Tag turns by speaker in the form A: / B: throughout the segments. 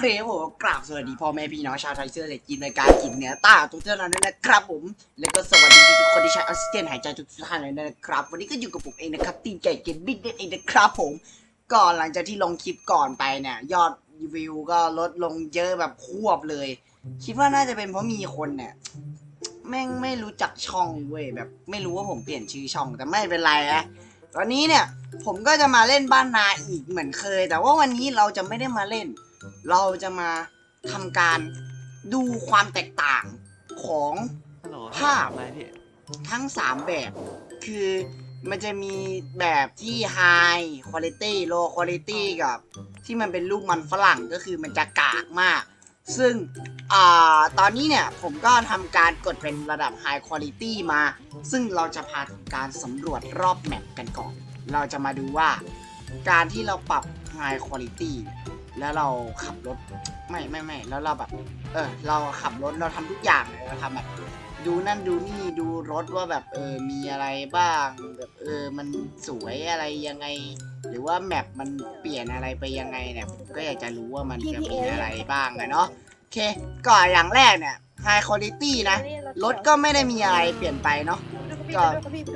A: เคผมกราบสวัสดีพ่อแม่พี่น้องชาวไทยเสื้อเหล็กกินในการกินเนื้อต้าทุกท่านนั้นนะครับผมแล้วก็สวัสดีทุกคนที่ใช้ออกซิเจนหายใจทุกท่านเลยนะครับวันนี้ก็อยู่กับผมเองนะครับตีนไก่เกมบิ๊กเองนะครับผมก่อนหลังจากที่ลงคลิปก่อนไปเนี่ยยอดวิวก็ลดลงเยอะแบบควบเลยคิดว่าน่าจะเป็นเพราะมีคนเนี่ยแม่งไม่รู้จักช่องเว้ยแบบไม่รู้ว่าผมเปลี่ยนชื่อช่องแต่ไม่เป็นไรนะตอนนี้เนี่ยผมก็จะมาเล่นบ้านนาอีกเหมือนเคยแต่ว่าวันนี้เราจะไม่ได้มาเล่นเราจะมาทำการดูความแตกต่างของภาพทั้ง3แบบคือมันจะมีแบบที่ High Quality Low Quality กับที่มันเป็นรูปมันฝรั่งก็คือมันจะกากมากซึ่งตอนนี้เนี่ยผมก็ทำการกดเป็นระดับ High Quality มาซึ่งเราจะพาทำการสำรวจรอบแมปกันก่อนเราจะมาดูว่าการที่เราปรับ High Quality แล้วเราขับรถไม่แล้วเราแบบเราขับรถเราทำทุกอย่างเลยเราทำแบบดูนั่นดูนี่ดูรถว่าแบบมีอะไรบ้างแบบมันสวยอะไรยังไงหรือว่าแมปมันเปลี่ยนอะไรไปยังไงเนี่ยผมก็อยากจะรู้ว่ามันจะมีอะไรบ้างเนาะโอเคก่อนอย่างแรกเนี่ย High Quality นะรถก็ไม่ได้มีอะไรเปลี่ยนไปเนาะก็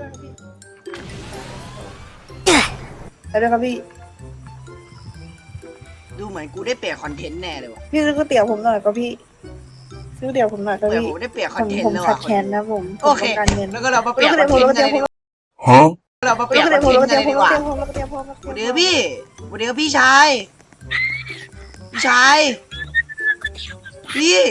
B: ได้ครับพี่
A: ดูเหมือนกูได้เปลี่ยนคอนเทนต์แน่เลยว่ะ
B: พี่ซื้อก๋วยเตี๋ยวผมหน่อยครับพี่ซื้อก๋วยเตี๋ยวผมหน่อยครับพี่
A: ผมได้เปลี่ยนคอนเทนต์
B: ผม
A: แล้ว
B: ขา
A: ว่ะ
B: ดแคลนนะผม
A: โอเคแล้วก็เรามาเปลี่ยนคอนเทนต์กันเลยดีกว่าเรามาเปลี่ยนคอนเทนต์กันเลยดีกว่าเดี๋ยวพี่ชายพี่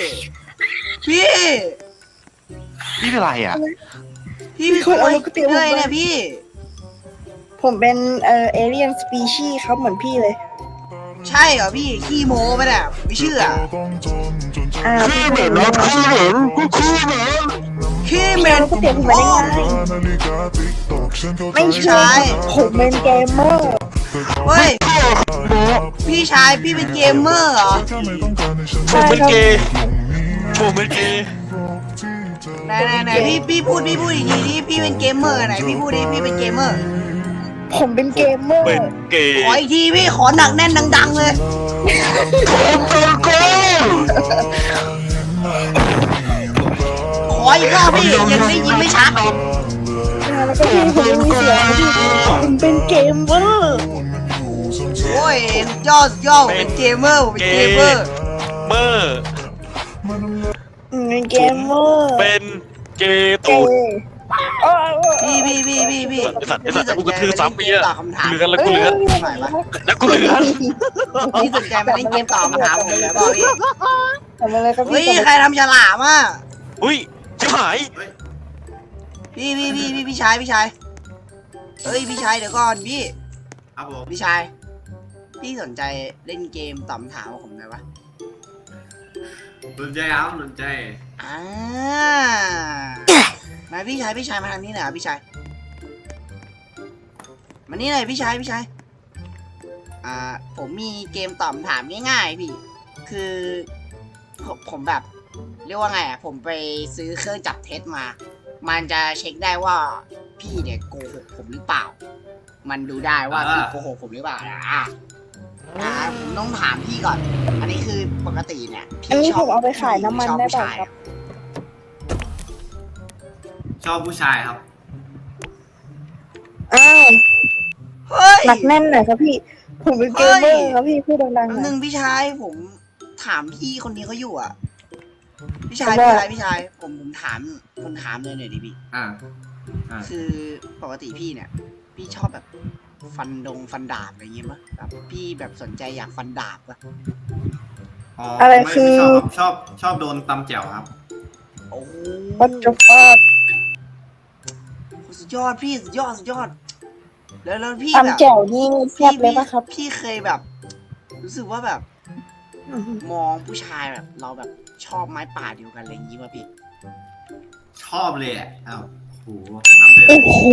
C: เป็นไรอ่ะ
A: พี่เป็นคนเลยเนี่ยพี่
B: ผมเป็นเอเลียนสปีชีส์ครับเหมือนพี่เลย
A: ใช่เหรอพี่ขี้โม้ไปเนี่ยไม่เชื่อ
B: พี่เหม็นนะ
A: ขี้เหม็น
B: ก๋วยเตี๋ยวผมไม่ได้ไงไม่ใช่ผมเป็นเกมเมอร์
A: เฮ้ยพี่ชายพี่เป็นเกมเมอร์เหรอ
C: ผมเป็นเกย์
A: ไหนพี่พูดอีกทีดิพี่เป็นเกมเมอร์ไหนพี่พูดดิพี่เป็นเกมเมอร์
B: ผมเป็นเกมเมอร์
C: เป็นเกย์
A: ขออีกทีพี่ขอหนักแน่นดังๆเลยขออีกรอบพี่ยังได้ยินไม่ชัด
B: แล้วก็พี่ผมยังมีเสียงพี่ผมเป็นเกมเมอร์
A: โอ้ยยอดเป็นเกมเมอร์เป็นเกมเมอร์
B: เป็นเกมเมอร์
C: เป็นเกย์ตูด
A: พี่
C: สัตว์กูกระทืบซ้ำพี่อะ
A: ตอบคำถาม
C: เลือนแล้วกูเลือน
A: พี่สนใจมาเล่นเกมตอบคำถามผมเลยเปล่าพี่
B: ทำอะไรครับพี่
A: เฮ้ยใครทำฉลามอ่ะ
C: อุ้ยชิบหาย
A: พี่ชายเฮ้ยพี่ชายเดี๋ยวก่อนพี่
D: ครับผม
A: พี่ชายพี่สนใจเล่นเกมตอบคำถามของผมไหมวะ
D: สนใจครับสนใจ
A: มาพี่ชายมาทางนี้หน่อยพี่ชายมานี่หน่อยพี่ชายผมมีเกมตอบคำถามง่ายๆพี่คือผมแบบเรียกว่าไงผมไปซื้อเครื่องจับเท็จมามันจะเช็คได้ว่าพี่เนี่ยโกหกผมหรือเปล่ามันดูได้ว่าพี่โกหกผมหรือเปล่าผมต้องถามพี่ก่อนอันนี้คือปกติเนี่ย
B: อันนี้ผมเอาไปขายน้ำมันได้ป่ะครับ
D: ชอบผู้ชายครับ
A: เฮ้ย
B: หนักแน่นหน่อยครับพี่ผมเป็นเกมเมอร์ครับพี่พูดดังๆ
A: หนึ่งพี่ชายผมถามพี่คนนี้เขาอยู่อ่ะพี่ชายผมถามเลยหน่อยดิพี่คือปกติพี่เนี่ยพี่ชอบแบบฟันดาบอะไรเงี้ยมั้ยแบบพี่แบบสนใจอยากฟันดาบป่ะ
B: อะไรคือ
D: ชอบโดนตำแจ่วครับ
A: โอ้
B: ปัจจุบัน
A: สุดยอดพี่สุดยอดแล้วพี่
B: แบบตำแจ่วนี่แซ่บเลยป่ะครับ
A: พี่เคยแบบรู้สึกว่าแบบมองผู้ชายแบบเราแบบชอบไม้ป่าเดียวกันอะไรอย่างงี้ป่ะพี่
D: ชอบเลยอ่ะอ้าวโหน้ำเดือด
B: โอ้โห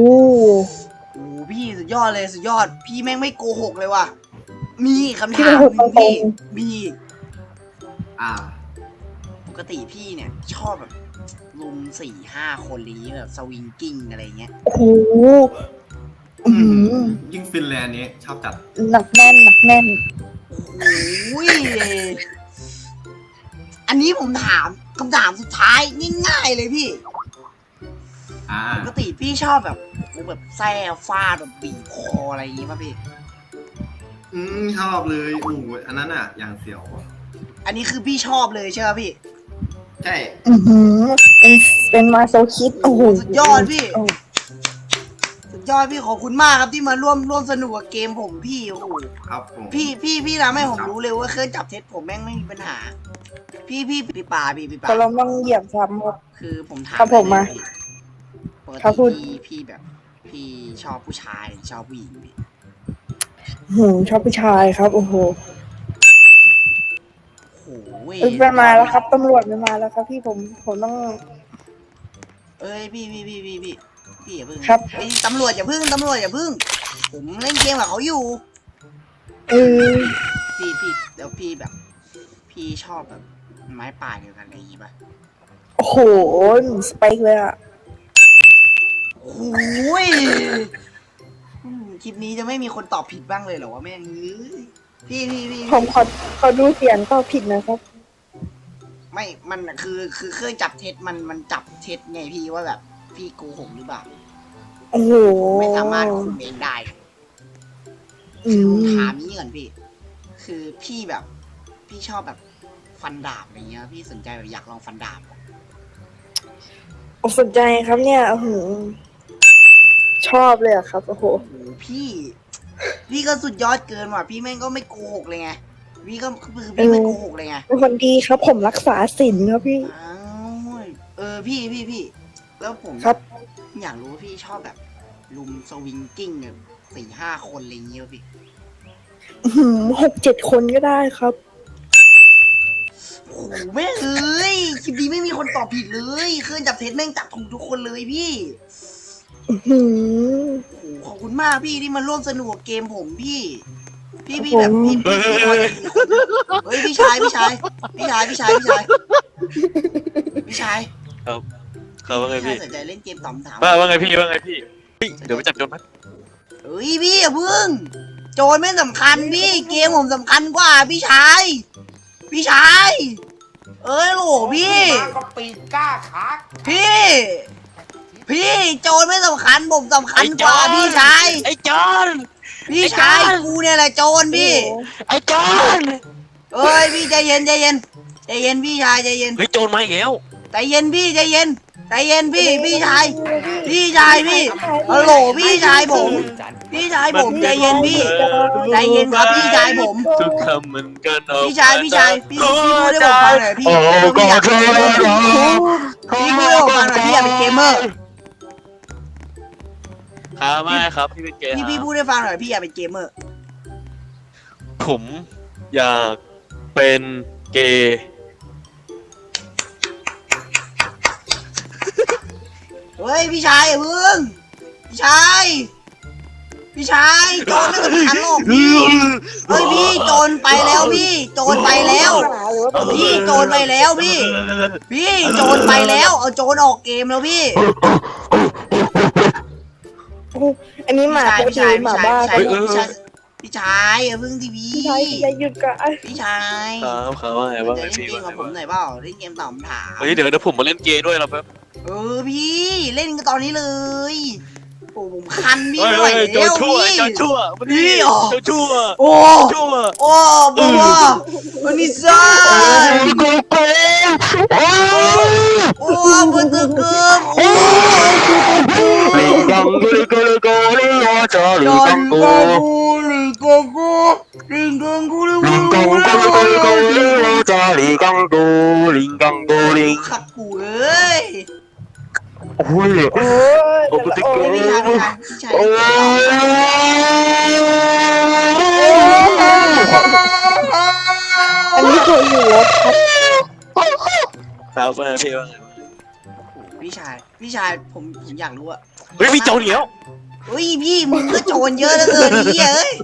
A: พี่สุดยอดเลยสุดยอดพี่แม่งไม่โกหกเลยว่ะมีคำถามพี่มีปกติพี่เนี่ยชอบแบบลุม 4-5 คนนี้แบบสวิงกิ้งอะไรเงี้ย
B: โอ้โห
D: ยิ่งฟินแลนด์นี้ชอบจัด
B: หนักแน่น
A: โอ้ยอันนี้ผมถามคำถามสุดท้ายง่ายๆเลยพี่
D: อ่า
A: ปกติพี่ชอบแบบแซ่ฟาดแบบบีบคออะไรอย่างงี้ป่ะพี่
D: ชอบเลยโอ้โหอันนั้นอ่ะ อย่างเสียว
A: อันนี้คือพี่ชอบเลยใช่ไหมพี่
D: ใช่
E: เป็นมาโซคิดโอ้โห
A: สุดยอดพี่ สุดยอดพี่ขอบคุณมากครับที่มาร่วมสนุกกับเกมผมพี่โอ้โห
D: ครับผม
A: พี่ทำให้ผมรู้เลยว่าเครื่องจับเท็จผมแม่งไม่มีปัญหา พี่ปา
E: ก็เราต้องเหยียบซ้ำครับ
A: คือผมถาม
E: ครับผมมา
A: เลยพี่ปก
E: ครับพูด
A: ติพี่แบบพี่ชอบผู้ชายหรือชอบผู้หญิงพี่
E: ชอบผู้ชายครับ โอ้โห
A: โอ้โหเว้ย
E: ไปมาแล้วครับตำรวจมาแล้วครับ พี่ผมต้อง
A: เอ้ยพี่อย่าพึ่ง
E: ครับ
A: เอ้ยตำรวจอย่าพึ่งผมเล่นเกมกับเขาอยู่
E: เออ
A: พี่เดี๋ยวพี่แบบ พี่ชอบแบบไม้ป่าเดียวกันอะไรอย่างงี้ป่ะ
E: โอ้โหสเปคเลยอ่ะ
A: โอ้ยคลิปนี้จะไม่มีคนตอบผิดบ้างเลยเหรอวะแม่งเอ้ยพี่
E: ผมขอดูเสียงก็ผิดนะครับ
A: ไม่ มันคือเครื่องจับเท็จมันจับเท็จไงพี่ว่าแบบพี่โกหกหรือเปล่า
E: โอ้โห
A: ไม่สามารถคุมเองได้
E: อื
A: คือผม
E: ม
A: ถามนี้ก่อนพี่ คือพี่แบบ พี่ชอบแบบฟันดาบอะไรเงี้ย พี่สนใจแบบอยากลองฟันดาบ
E: สนใจครับเนี่ยโอ้โหชอบเลยอะครับ โอ้โห
A: โอ้โหพี่ก็สุดยอดเกินว่ะพี่แม่งก็ไม่โกหกเลยไงพี่ก็คือพี่ไม่โกหกเลยไง
E: เป็นคนดีครับ ผมรักษาศีลครับพี่
A: อ้าวพี่แล้วผม
E: ครับ
A: อยากรู้ว่าพี่ชอบแบบลุมสวิงกิ้งเนี่ย4-5 คนอะไรอย่างเงี้ยพี่
E: 6-7 คนก็ได้ครับ
A: โอ้โหแม่งเอ้ยคลิปนี้ไม่มีคนตอบผิดเลยเครื่องจับเท็จแม่งจับถูกทุกคนเลยพี่
E: หืม
A: โอ้โหขอบคุณมากพี่ที่มาร่วมสนุกกับเกมผมพี่แบบพี่พอจะมีคนเฮ้ยพี่ชาย
C: เขาว่าไงพี่
A: ถ้าสนใจเล่นเกมตอบคำถาม
C: ว่าไงพี่เฮ้ยเดี๋ยวไปจับโจรมั้ย
A: เฮ้ยพี่อย่าพึ่งโจรไม่สำคัญพี่เกมผมสำคัญกว่าพี่ชายเอ้ยโหลพี่พี่โจรไม่สำคัญผมสำคัญกว่าพี่ชาย
C: ไอ้โจร
A: พี่ชายกูเนี่ยแหละโจรพี่
C: ไอ้โจร
A: เอ้ยพี่ใจเย็นพี่ชายใจเย็น
C: เฮ้ยโจรมาอีกแล้ว
A: ใจเย็นพี่พี่ชายพี่ฮัลโหลพี่ชายผมใจเย็นพี่ใจเย็นครับพี่ชายผม
C: ทุกคำมันกันออก
A: พี่ชายพี่พูดให้ผมฟังหน่อยพี่พี่อยากพี่พูดให้ผมฟังหน่อยพี่อยากเป็นเกมเมอร์
C: ครับไม่ครับพี่เป็นเกย์
A: พี่พูดให้ฟังหน่อยพี่อยากเป็นเกมเมอร์
C: ผมอยากเป็นเกย์
A: เฮ้ยพี่ชายอย่าพึ่งพี่ชายโจรไม่สำคัญหรอกพี่เฮ้ยพี่โจรไปแล้วพี่โจรไปแล้วพี่โจรไปแล้วพี่โจรไปแล้วเอาโจรออกเกมแล้วพี่
E: อันนี้หมาปกติหมาบ้า
A: พี่ชายอย่าพึ่งทีวี
E: พี่ชายหยุดก่อน
A: พี่ชาย
C: ครับเขาว่าไงว่าไง
A: เล่น
C: พี่
A: เกมกับผมหน่อยเปล่าเล่นเกมตอบคำถาม
C: เฮ้ยเดี๋ยวผมมาเล่นเกย์ด้วยนะแป๊บ
A: พี่เล่นกันตอนนี้เลยโอ้ผมคันพี่
C: เฮ้ย
A: ด้วย
C: โจรชั่วมันนี่โจรชั่ว
A: โอ้
C: ชั่ว
A: บัววันนี้ซ่าโอ้บัวตะเกียบโอ้
C: ลิงกังกูลิโกลิโอจอลิงกังกู
A: ลิงกังกูลิงกังกูลิง
C: โอจอลิงกังกูลิงกังกูลิง
A: ขัดกูเอ้ย
C: โอ้ย
E: โอ้ย
C: โอ้กูติโก
A: พี่ชาย
C: โอ้ย
E: อันนี้เคยอยู่แล้วครับ
C: ครับว่าพี่ว่าไง
A: พี่ชายผมอยากรู้อะ
C: เฮ้ยมีโจรเหนียว
A: เฮ้ยพี่มึงก็โจรเยอะเหลือเกินพี่เอ้ย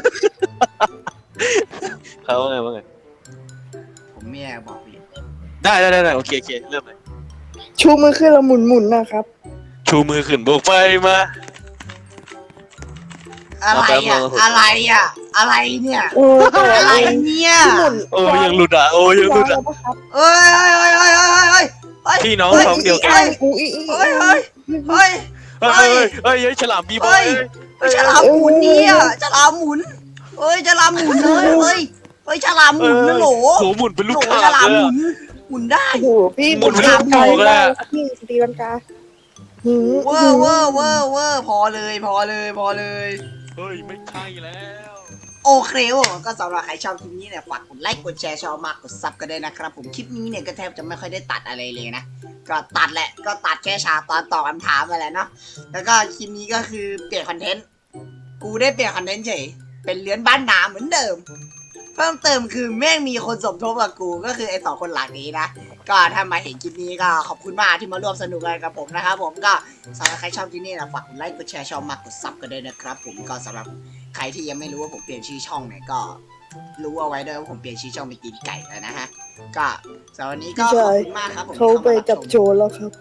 C: ครับว่าไง
A: ผมไม่อยากบอกพี่
C: ได้โอเคเริ่มเลย
E: ชูมือขึ้นแล้วหมุนนะครับ
C: ชูมือขึ้นโบกไฟมา
A: อะไรอ่ะอะไรอ่ะอะไรเนี่ย
E: โอ้แต่
A: อะไรเนี่ย
E: พี่หมุน
C: โอ้ยังหลุดอ่ะโอ้ยังหลุดอ่ะ
E: นะครับ
A: เอ้ยเอ้ยเอ้ยเอ้ยเอ้ยเอ้ยเอ้ย
C: พี่น้องท้องเดียวกัน
A: เฮ้ย
E: กูอี
A: เฮ้ยเฮ้ยเฮ้ย
C: เฮ้ยเฮ้ยฉลามบีบอย
A: เฮ้ยฉลามหมุนเนี่ยฉลามหมุนเฮ้ยฉลามหมุนเลยเฮ้ยเฮ้ยฉลามหมุนนะโหล
C: โหหมุนเป็นลูก
A: โห
C: ข่าง
A: ฉลาม
C: เลย
A: หมุนหมุนได้
E: โอ้โหพี่
C: หมุนเป็นลูกโป่งเลยอะ
E: พี่ตีลังกาหืม
A: เวอร์เวอร์เวอร์เวอร์พอเลยพอเลยพอเลย
C: เฮ้ยไม่ใช่แล้ว
A: โอเคผมก็สำหรับใครชอบคลิปนี้เนี่ยฝากกดไลค์กดแชร์ชอบมากกดซับกันด้วยนะครับผมคลิปนี้เนี่ยก็แทบจะไม่ค่อยได้ตัดอะไรเลยนะก็ตัดแหละก็ตัดแค่ฉากตอนตอบคำถามมาแหละเนาะแล้วก็คลิปนี้ก็คือเปลี่ยนคอนเทนต์กูได้เปลี่ยนคอนเทนต์เฉยเป็นเลื้อนบ้านนาเหมือนเดิมเพิ่มเติมคือแม่งมีคนสมทบกับกูก็คือไอ้สองคนหลังนี้นะก็ถ้ามาเห็นคลิปนี้ก็ขอบคุณมากที่มาร่วมสนุกกันกับผมนะครับผมก็สำหรับใครชอบคลิปนี้นะฝากกดไลค์กดแชร์ชอบมากกดซับกันด้วยนะครับผมก็สำหรับใครที่ยังไม่รู้ว่าผมเปลี่ยนชื่อช่องเนี่ยก็รู้เอาไว้ด้วยว่าผมเปลี่ยนชื่อช่องเป็นตีนไก่แล้วนะฮะก็สำหรับวันนี้ก็ขอบคุณมากครับผม
E: เขาไปจับโจรแล้วครับ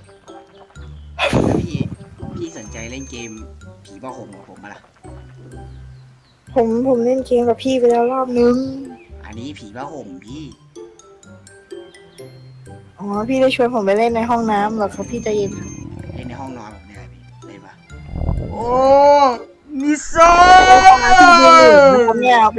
A: พี่สนใจเล่นเกมผีบ้าห่มกับผมมาล่ะ
E: ผมเล่นเกมกับพี่ไปแล้วรอบนึง
A: อันนี้ผีบ้าห่มพี่
E: อ๋อพี่ได้ชวนผมไปเล่นในห้องน้ำเหรอครับพี่ใจเย็นครับ
A: เล่นในห้องนอนผมเนี่ยพี่เล่นปะโอ้มิซ่า
E: พี่ดูน้ำเนี่ยเอาไป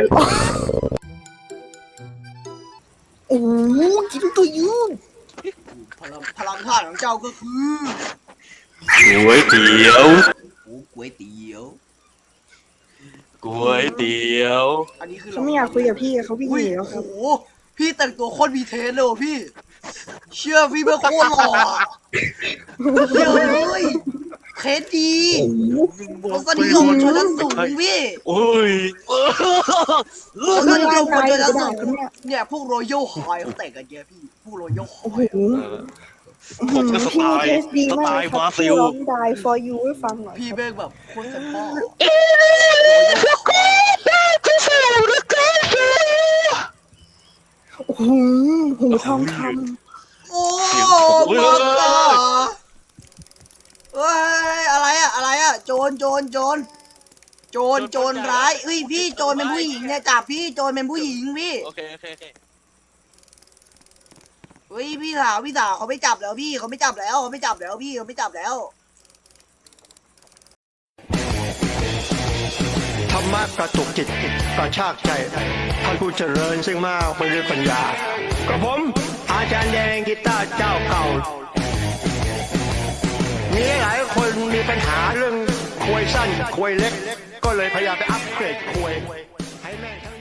E: โอ้โหกินตัวยืน
A: พลังธาตุของเจ้าก็คือ
C: ก๋วยเตี๋ยว
A: โอ้ก๋วยเตี๋ยว
C: ก๋วยเตี๋ยว
A: อันนี้คือ
E: เขาไม่อยากคุยกับพี่เขาพี่ห
A: อุ้ย
E: นีแล้วค
A: โอ้
E: รับ
A: โหพี่แต่งตัวโคตรมีเทสเลยว่ะพี่ เชื่อพี่เมื่อโคตรหล่ออะเชื่อเลยเทสดีรสนิยมชนชั้นสูงพี่
C: โอ้ย
A: รสนิยมคนชนชั้นสูง
E: เนี่ย
A: เนี่ยพวกรอยัลไฮเขาแต่งกันเยอะพี่พวกรอยัลไฮ
E: โอ้โห
C: ผมก็สไตล์
E: พี่เทสดี
C: ส
E: มา
C: ไต
E: ก
C: ล์
E: ครับ
C: บราซิ
E: พี่
C: ล
E: ร้องได้ for you ให้ฟังหน่อย
A: พี่แม่งแบบโคตรเป็นพ่อ
E: โอ้โหหูทองค
A: โอ้ปังตาเฮ้ยอะไรอะอะไรอะโจรร้ายเฮ้ยพี่โจรเป็นผู้หญิงเนี่ยจับพี่โจรเป็นผู้หญิงพี่
C: โอเคโอเคโอเค
A: เฮ้ยพี่สาวเขาไม่จับแล้วพี่เขาไม่จับแล้วพี่เขาไม่จับแล้ว
F: ธรรมะกระตุกจิตกระชากใจท่านผู้เจริญซึ่งมากไปด้วยปัญญากับผมอาจารย์แดงกีตาร์เจ้าเก่า มีหลายคนมีปัญหาเรื่องควยสั้นควยเล็ก ก็เลยพยายามไปอัปเกรดควยให้แม่ง